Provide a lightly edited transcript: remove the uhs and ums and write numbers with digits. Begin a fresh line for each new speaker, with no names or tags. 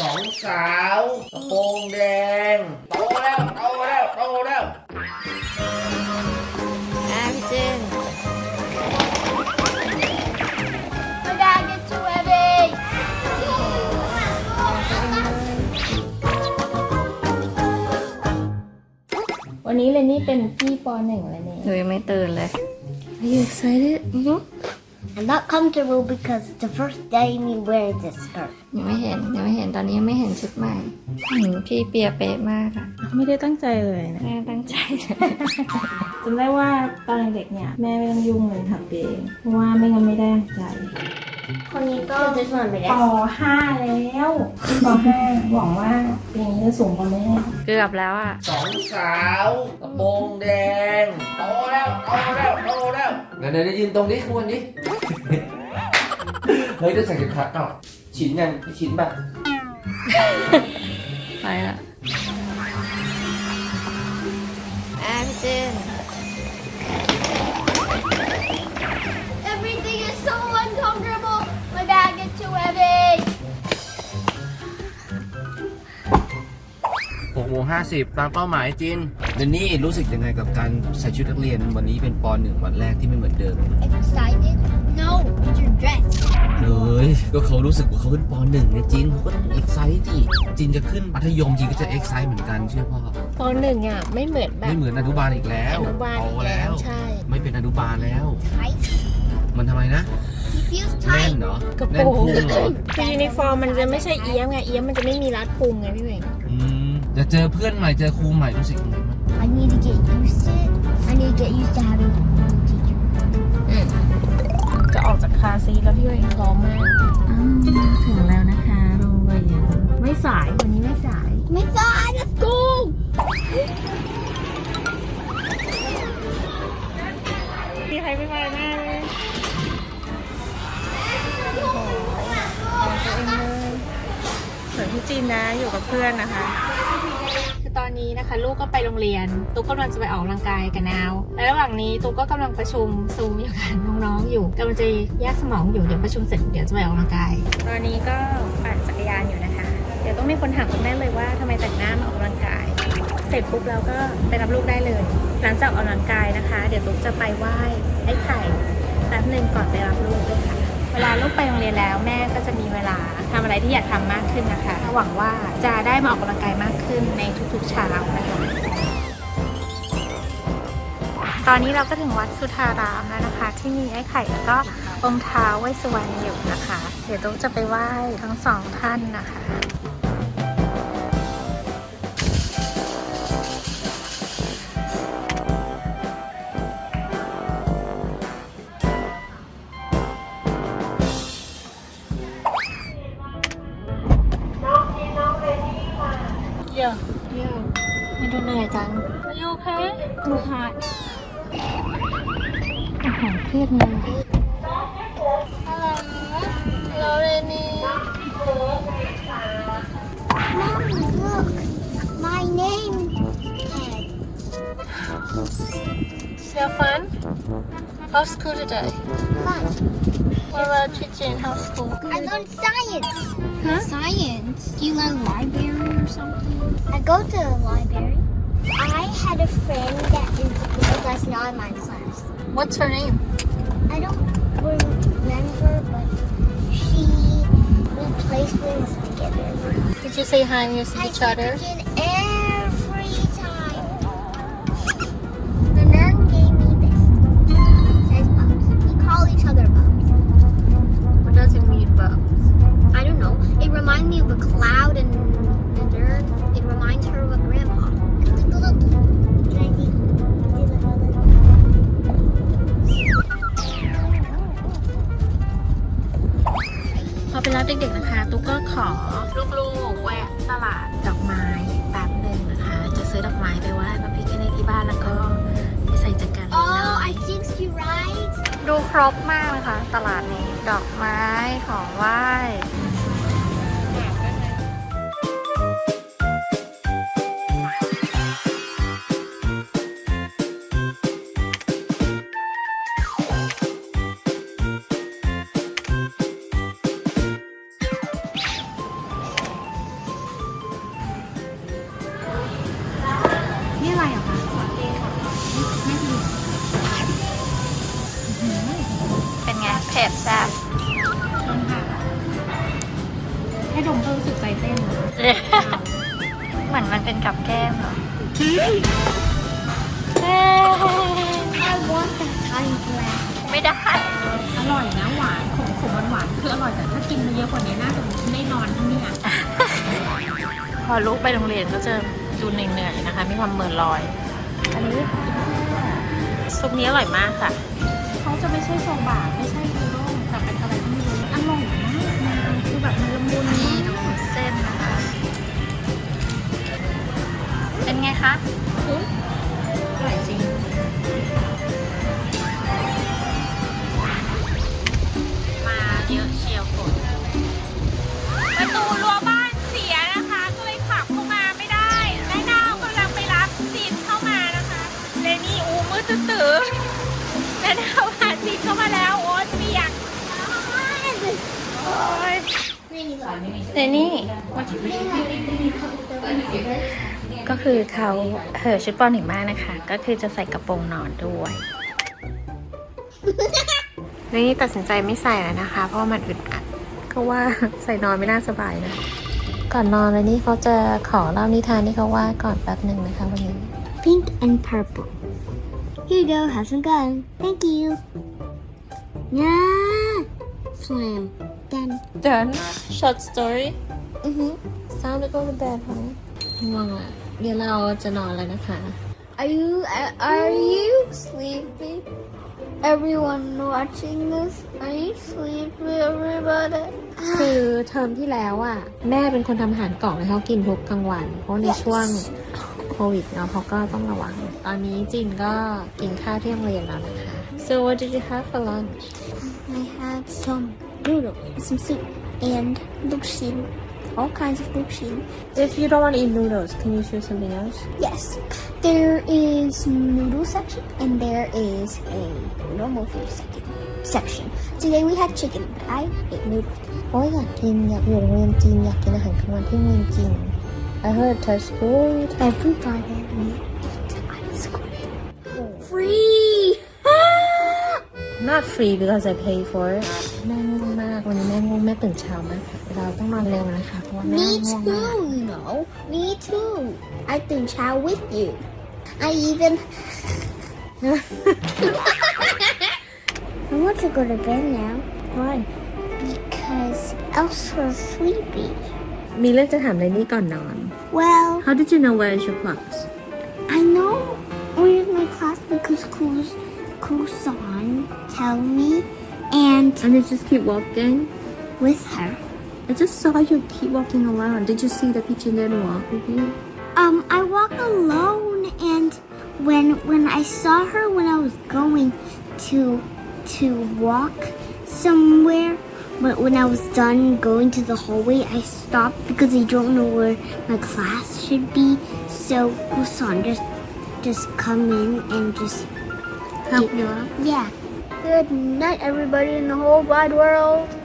สองสาวกระโปรงแดงโตแล้วโตแล้วโตแล้ว
พี่เจน
My dad gets too heavy.
วันนี้เลนนี่เป็นพี่ป .1 แล้วเนี่ยหนูยังไม่ตื่นเลย Are you excited?
I'm not comfortable because it's the first day me wearing this skirt.
ยังไม่เห็นตอนนี้ยังไม่เห็นชุดใหม่พี่เปียเป๊ะมากอะไม่ได้ตั้งใจเลยนะแม่ตั้งใจ จำได้ว่าตอนเด็กเนี่ยแม่ไม่ต้องยุ่งเลยทำเองเพราะว่าไม่งั้นไม่ได้ตั้งใจคนนี้ก็ป .5 แล้วป .5 หวังว่าปีนี้จะสูงกว่าแม่เกือบแล้วอะ
สองสาวกระโปรงแดงโตแล้วโตแล้วโตแล้วเดี๋ยวยืนตรงนี้ควรดิ เฮ้ยได้ใส่เข็มขัดเปล่าชิ้นยังชิ้นแบบ
ไปละพี่เจน
Everything is so uncomfortable. My bag gets too heavy.
6:50 ตามเป้าหมายจินเดนนี่รู้สึกยังไงกับการใส่ชุดนักเรียนวันนี้เป็นป .1 วันแรกที่ไม่เหมือนเดิม
Excited? No, it's your dress.
เฮ้ยก็เขารู้สึกว่าเขาเป็นป .1 เนี่ยจินเขาก็ต้องเอ็กไซต์ดิจินจะขึ้นมัธยมจินก็จะเอ็กไซต์เหมือนกันเชื่อพ่อ
ป .1 อ่ะไม่เหมือนแบบ
ไม่เหมือนอนุบาลอีกแล้ว
อนุบาลอีกแล้วใช่
ไม่เป็นอนุบาลแล้ว
Tight.
มันทำไมนะ
He feels
แน่น
tight.
เหรอก
ระ
แน่น
โปรง
พุงเหรอ
คือยูนิฟอร์มมันจะไม่ใช่เอี้ยมไงเอี้ยมมันจะไม่มีรัดพุงไงพี่เวง
จะเจอเพื่อนใหม่เจอครูใหม่รู้สึกยังไงบ้าง
I need to get used to it. I need to get used to having a new teacher.
จะออกจากคาซีแล้วพี่เวงพร้อมมากถึงแล้วนะคะโรงเรียนไม่สายวันนี้ไม่สาย
My God, let's go.
มีใครไม่มาหน้าเลยส่วนพี่จีนนะอยู่กับเพื่อนนะคะคือตอนนี้นะคะลูกก็ไปโรงเรียนตุ๊กกำลังจะไปออกกำลังกายกับนาวและระหว่างนี้ตุ๊กก็กำลังประชุมซูมอยู่กับน้องๆอยู่กำลังจะแยกสมองอยู่เดี๋ยวประชุมเสร็จเดี๋ยวจะไปออกกำลังกายตอนนี้ก็ปั่นจักรยานอยู่นะคะเดี๋ยวต้องมีคนถามคุณแม่เลยว่าทำไมแต่งหน้ามาออกกำลังกายเสร็จปุ๊บเราก็ไปรับลูกได้เลยหลังจากออกกำลังกายนะคะเดี๋ยวตุ๊กจะไปไหว้ไอ้ไข่แป๊บนึงก่อนไปรับลูกด้วยค่ะเวลาลูกไปโรงเรียนแล้วแม่ก็จะมีเวลาทำอะไรที่อยากทำมากขึ้นนะคะหวังว่าจะได้มาออกกำลังกายมากขึ้นในทุกๆเช้านะคะตอนนี้เราก็ถึงวัดสุทธารามแล้วนะคะที่มีไอ้ไข่แล้วก็องค์ท้าวเวสสุวรรณอยู่นะคะเดี๋ยวตุ๊กจะไปไหว้ทั้งสองท่านนะคะ เยอะไม่ดูเหนื่อยจังAre you okay? Too hot อาหารเครียดเลย
Hello, Lenny. Mom, look. My name tag.
So fun? How's school today?
Fun.
What about teaching? How's school?
I learned science.
Huh?
Science? Do you learn library or something? I go to the library. I had a friend that is with us now in my class.
What's her name?
I don't remember, but we play swings together.
Did you say hi to each other?
Every time. The nun gave me this. It says bubs. We call each other bubs.
What does it mean, Bubs?
I don't know. It reminds me of a cloud and the nerd. It reminds her of a grandpa. Look. Can I see?
พอไปรับเด็กๆนะคะตุ๊กก็ขอลูกๆแวะตลาดดอกไม้แป๊บหนึ่งนะคะจะซื้อดอกไม้ไปไหว้พระพิฆเนศที่บ้านแล้วก็ไปใส่จักรยาน
Oh, I think you're right.
ดูครบมากเลยค่ะตลาดนี้ดอกไม้ของไหว้รู้สึกใจเต้นเหรอ
เหมือนมันเป็นกับแก้มเหรอ
I want that tiny glass.
ไม่ได้
อร่อยนะหวานขมหวานๆคืออร่อยแต่ถ้ากินเยอะกว่านี้น่าจะไม่นอนที่นี่
พอลูกไปโรงเรียนก็จะดูเหนื่อยๆนะคะ มีความเหม่อลอย อันนี้ซุปนี้อร่อยมากค่ะ
เขาจะไม่ใช่โซบะไม่ใช่อูด้งแต่เป็นอะไรที่ไม่รู้อร่อยมากนะคือแบบมันละมุน
นี่
มาก
ดูเส้นนะคะ เป็นไงคะ
อร่อยจริง
มาเยอะเชียวฝนประตูรั้วบ้านเสียนะคะ ก็เลยขับเข้ามาไม่ได้แม่ดาวกำลังไปรับจีนเข้ามานะคะเลนี่อูมืดตื้อแม่ดาวพาจีนเข้ามาแล้วโอ๊ตเปียกโอ๊ยเลนี่ก็คือเขาชุดปอหนึ่งมากนะคะ ก็คือจะใส่กระโปรงนอนด้วย นี่ตัดสินใจไม่ใส่แล้วนะคะ เพราะว่ามันอึดอัดก็ว่าใส่นอนไม่น่าสบายนะ ก่อนนอนเลยนี่เขาจะขอเล่านิทานที่เขาว่าก่อนแป๊บหนึ่งนะคะวันนี้
Pink and purple. Here you go, have some gun. Thank you. Yeah. Slam. Done.
Done short story
Mm-hmm.
time to go to bed ง่วงละเดี๋ยวเราจะนอนแล้วนะคะ
Are you sleepy? Everyone watching this, are you sleepy, everybody?
คือเทอมที่แล้วอ่ะ แม่เป็นคนทำอาหารกล่องให้เขากินทุกกลางวัน เพราะในช่วงโควิดเนาะเขาก็ต้องระวัง ตอนนี้จินก็กินข้าวที่โรงเรียนแล้วนะคะ so what did you have for lunch
I had some noodles, some soup, and luxin. All kinds of luxin.
if you don't want to eat noodles can you choose something else
Yes, there is noodle section and there is a normal food section. Today we had chicken, but I ate noodles.
โอ้ยอยากอยู่โรงเรียนจีนอยากกินอาหารกลางวันที่โรงเรียนจีน I heard that's good
Every Friday we eat ice cream. Free!
not free because I pay for it แม่ง่วงมากวันนี้แม่ง่วงแม่ตื่นเช้ามากค่ะเราต้องนอนเร็วนะคะเพราะว่าแม่
Me
ง่วงมาก
too, you know. Me too. I think chow with you. I even. I want to go to bed now.
Why
Because Elsa's sleepy.
มีเรื่องจะถามเลยนี่ก่อนนอน
Well,
How did you know where is your class
I know where's my class because Kusan tell me and
and you just keep walking
with her.
I just saw you keep walking around did you see the pigeon didn't walk with you
I walk alone and when I saw her when I was going to walk somewhere, but when I was done going to the hallway, I stopped because I don't know where my class should be. So Kusan just come in and just
help you up
yeah. Good night, everybody in the whole wide world.